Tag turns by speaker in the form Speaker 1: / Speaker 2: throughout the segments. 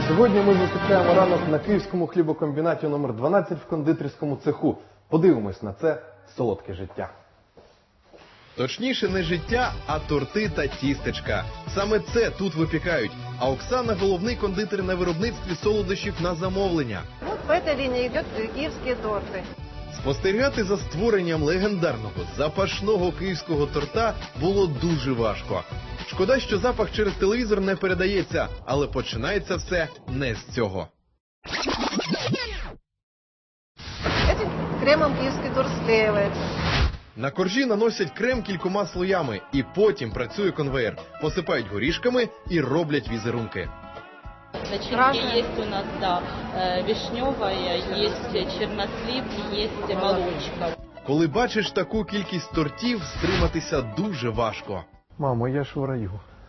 Speaker 1: Сьогодні ми зустрічаємо ранок на Київському хлібокомбінаті номер 12 в кондитерському цеху. Подивимось на це солодке життя.
Speaker 2: Точніше, не життя, а торти та тістечка. Саме це тут випікають. А Оксана – головний кондитер на виробництві солодощів на замовлення.
Speaker 3: Вот по этой линии идет киевские торты.
Speaker 2: Спостерігати за створенням легендарного запашного київського торта було дуже важко. Шкода, що запах через телевізор не передається, але починається все не з цього.
Speaker 3: Этим кремом киевский торт склеивается.
Speaker 2: На коржі наносять крем кількома слоями, і потім працює конвеєр. Посипають горішками і роблять візерунки.
Speaker 4: Начинки есть у нас, да, вишневая, есть чернослив, есть молочка.
Speaker 2: Коли бачиш таку кількість тортів, стриматися дуже важко.
Speaker 1: Мамо, я ж в раю.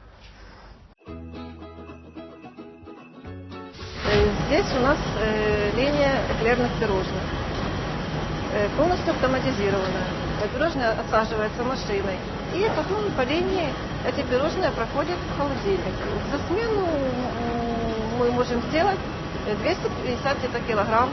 Speaker 3: Здесь у нас линия эклерных пирожных. Полностью автоматизированная. Пирожное отсаживается машиной. И потом по линии эти пирожные проходят в холодильник. За смену мы можем сделать 250 где-то килограмм.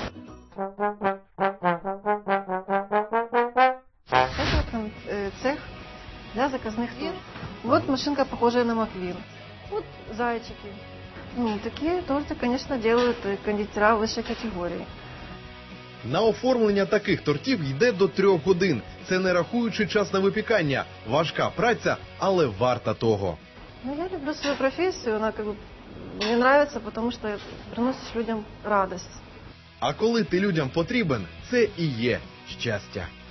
Speaker 3: Это цех для заказных тортов. Вот машинка, похожая на Маквин. Вот зайчики. Ну, такие торты, конечно, делают кондитера высшей категории.
Speaker 2: На оформлення таких тортів йде до 3 годин. Це не рахуючи час на випікання. Важка праця, але варта того.
Speaker 3: Ну, я люблю свою профессию, она как бы мне нравится, потому что приносишь людям радость.
Speaker 2: А коли ти людям потрібен, це і є щастя.